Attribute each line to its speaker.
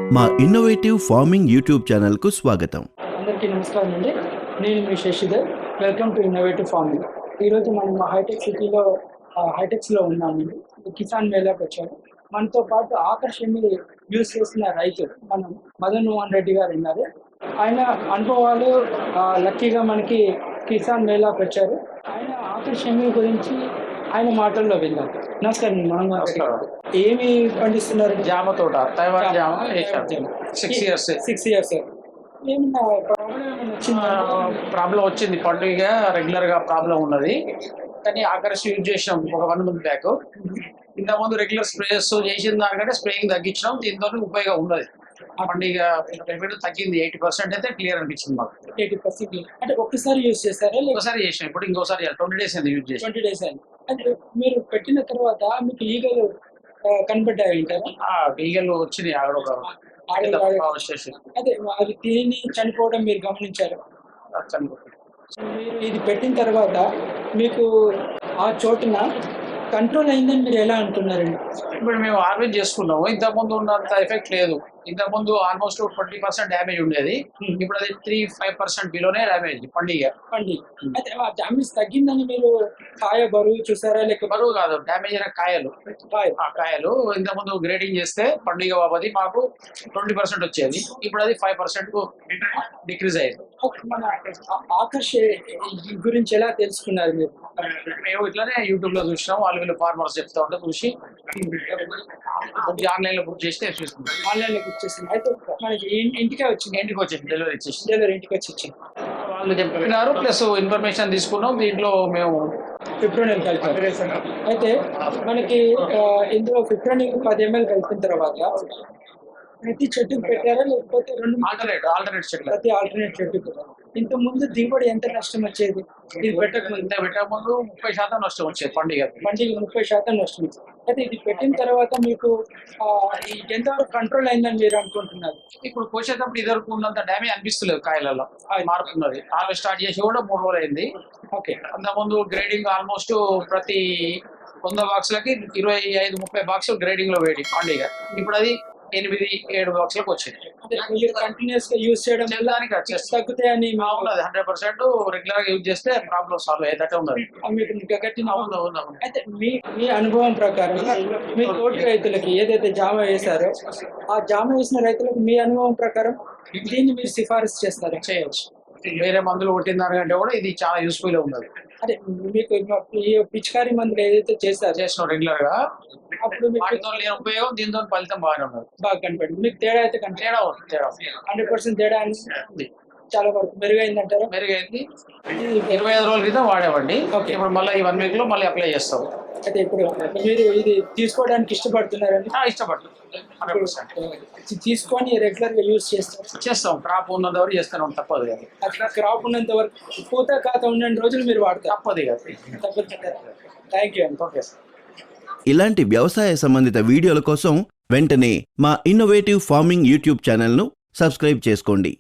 Speaker 1: మా innovative farming YouTube ఛానల్కు స్వాగతం.
Speaker 2: అందరికీ నమస్కారం అండి. నేను మీ Sasidhar. Welcome to innovative farming. ఈరోజు మనం హైటెక్ సిటీలో హైటెక్స్లో ఉన్నామండి. కిసాన్ మేళాకి వచ్చాము. మనతో పాటు ఆకర్షణ యూజ్ చేసిన రైతు మనం మదన్ మోహన్ రెడ్డి గారు ఉన్నారు. ఆయన అనుభవాలు లక్కీగా మనకి కిసాన్ మేళాకి వచ్చారు. ఆయన ఆకర్షణ గురించి ఆయన మాటల్లో విందాం. నమస్కారం మోహన్ గారు. ఏమి పండిస్తున్నారు?
Speaker 3: జామ తోట, తైవాన్ జామ 6 years.
Speaker 2: ఏమన్నా
Speaker 3: ప్రాబ్లం వచ్చింది, పండుగ రెగ్యులర్ గా ప్రాబ్లం ఉన్నది. కానీ ఆకర్షణ యూజ్ చేసినాం ఒక 1 month బ్యాక్. ఇంతకుముందు రెగ్యులర్ స్ప్రేస్ చేసిన దానికంటే స్ప్రేయింగ్ తగ్గించినాం. దీంతో ఉపయోగం ఉన్నది. పండుగ పెట్టుబడి తగ్గింది. 80% అయితే క్లియర్ అనిపించింది మాకు.
Speaker 2: 80% అంటే ఒక్కసారి యూజ్ చేస్తారా?
Speaker 3: ఒకసారి చేసాం, ఇప్పుడు ఇంకోసారి 20 days అయింది యూజ్ చేసి.
Speaker 2: 20 days అయింది. అంటే మీరు పెట్టిన తర్వాత మీకు ఈగలు కనబడ్డాయి అంటారా?
Speaker 3: ఈగలు వచ్చినాయి ఆడొక
Speaker 2: అదే అవి తిని చనిపోవడం మీరు గమనించారు. మీరు ఇది పెట్టిన తర్వాత మీకు ఆ చోటున కంట్రోల్ అయిందని మీరు ఎలా అనుకున్నారండి?
Speaker 3: ఇప్పుడు మేము హార్వెస్ట్ చేసుకున్నాము. ఇంతకుముందు ఉన్నంత ఎఫెక్ట్ లేదు. ఇంతకుముందు ఆల్మోస్ట్ 20% డ్యామేజ్ ఉండేది. ఇప్పుడు అది 3-5% బిలోనే డ్యామేజ్ పండుగ.
Speaker 2: అయితే ఆ డ్యామేజ్ తగ్గిందని మీరు కాయ బరువు చూసారా? లేక
Speaker 3: బరువు కాదు, డ్యామేజ్ అయిన కాయలు. ఆ కాయలు ఇంతకుముందు గ్రేడింగ్ చేస్తే పండుగ బాబది మాకు 20% వచ్చేది. ఇప్పుడు అది 5% డిక్రీజ్ అయ్యింది.
Speaker 2: మన ఆకర్ష గురించి ఎలా తెలుసుకున్నారు మీరు?
Speaker 3: మేము ఇట్లానే యూట్యూబ్ లో చూసినాం. వాళ్ళు ఫార్మర్స్ చెప్తా ఉంటే చూసి ఆన్లైన్ లో బుక్ చేస్తే చూస్తున్నాం.
Speaker 2: ఆన్లైన్ లో బుక్ చేసింది. అయితే మనకి ఇంటికి వచ్చింది
Speaker 3: డెలివరీ ఇచ్చేసి
Speaker 2: ఇంటికి వచ్చి ఇచ్చింది.
Speaker 3: వాళ్ళు చెప్పినారు, ప్లస్ ఇన్ఫర్మేషన్ తీసుకున్నాం. దీంట్లో మేము
Speaker 2: ఫిప్రోనిల్ కలిపారు. అయితే మనకి ఇందులో ఫిప్రోనిల్ 10 ml కలిపిన తర్వాత ప్రతి చెట్టుకు పెట్టారా లేకపోతే
Speaker 3: ఆల్టర్నేట్ చెట్లు?
Speaker 2: ప్రతి ఆల్టర్నేట్ చెట్టుకు. ఇంత ముందు దిగుబడి ఎంత నష్టం వచ్చేది? ఇది
Speaker 3: పెట్టకముందు 30% నష్టం వచ్చేది. పండుగ
Speaker 2: 30% నష్టం వచ్చేది. అయితే ఇది పెట్టిన తర్వాత మీకు ఎంతవరకు కంట్రోల్ అయిందని మీరు అనుకుంటున్నారు?
Speaker 3: ఇప్పుడు కోసేటప్పుడు ఇదివరకు ఉన్నంత డ్యామేజ్ అనిపిస్తలేదు. కాయలలో మారుతున్నది. హార్వెస్ట్ స్టార్ట్ చేసి కూడా 3 రోజులు అయింది.
Speaker 2: ఓకే.
Speaker 3: అంతకుముందు గ్రేడింగ్ ఆల్మోస్ట్ ప్రతి 100 బాక్సులకి 25-30 బాక్సులు గ్రేడింగ్ లో వేడి పండుగ. ఇప్పుడు అది 8-7 బాక్సులకు వచ్చింది.
Speaker 2: కంటిన్యూస్ గా యూజ్ చేయడం తగ్గుతాయని
Speaker 3: 100% రెగ్యులర్ గా యూజ్ చేస్తే ప్రాబ్లమ్ సాల్వ్ అయ్యేటట్టే ఉన్నది.
Speaker 2: అయితే మీ అనుభవం ప్రకారం మీ తోటి రైతులకి ఏదైతే జామ వేశారో ఆ జామ వేసిన రైతులకు మీ అనుభవం ప్రకారం దీన్ని మీరు సిఫారసు చేస్తారా?
Speaker 3: చేయొచ్చు. వేరే మందులు కొట్టిన దానికంటే కూడా ఇది చాలా యూస్ఫుల్ గా ఉన్నది.
Speaker 2: అదే మీకు ఈ పిచికారీ మందులు ఏదైతే చేసినాం
Speaker 3: రెగ్యులర్ గా, అప్పుడు ఉపయోగం దీంతో ఫలితం బాగానే ఉన్నది.
Speaker 2: బాగా కనపడింది. మీకు తేడా అయితే తేడా 100% తేడా అని చాలా వరకు మెరుగైందంటారా?
Speaker 3: మెరుగైంది. 25 రోజుల క్రితం వాడేవండి. ఇప్పుడు మళ్ళీ ఈ 1 week లో మళ్ళీ అప్లై చేస్తాం.
Speaker 2: అయితే ఇప్పుడు మీరు ఇది తీసుకోవడానికి ఇష్టపడుతున్నారండి?
Speaker 3: ఇష్టపడుతుంది.
Speaker 2: తీసుకొని రెగ్యులర్ గా యూజ్
Speaker 3: చేస్తాం. క్రాప్ ఉన్నంత వరకు చేస్తాం, తప్పదు కదా.
Speaker 2: అట్లా క్రాప్ ఉన్నంత వరకు పూత ఖాతా ఉన్న రోజులు మీరు వాడతారు,
Speaker 3: తప్పదు కదా.
Speaker 2: థ్యాంక్ యూ అండి.
Speaker 3: ఓకే.
Speaker 1: ఇలాంటి వ్యవసాయ సంబంధిత వీడియోల కోసం వెంటనే మా ఇన్నోవేటివ్ ఫార్మింగ్ యూట్యూబ్ ఛానల్ను సబ్స్క్రైబ్ చేసుకోండి.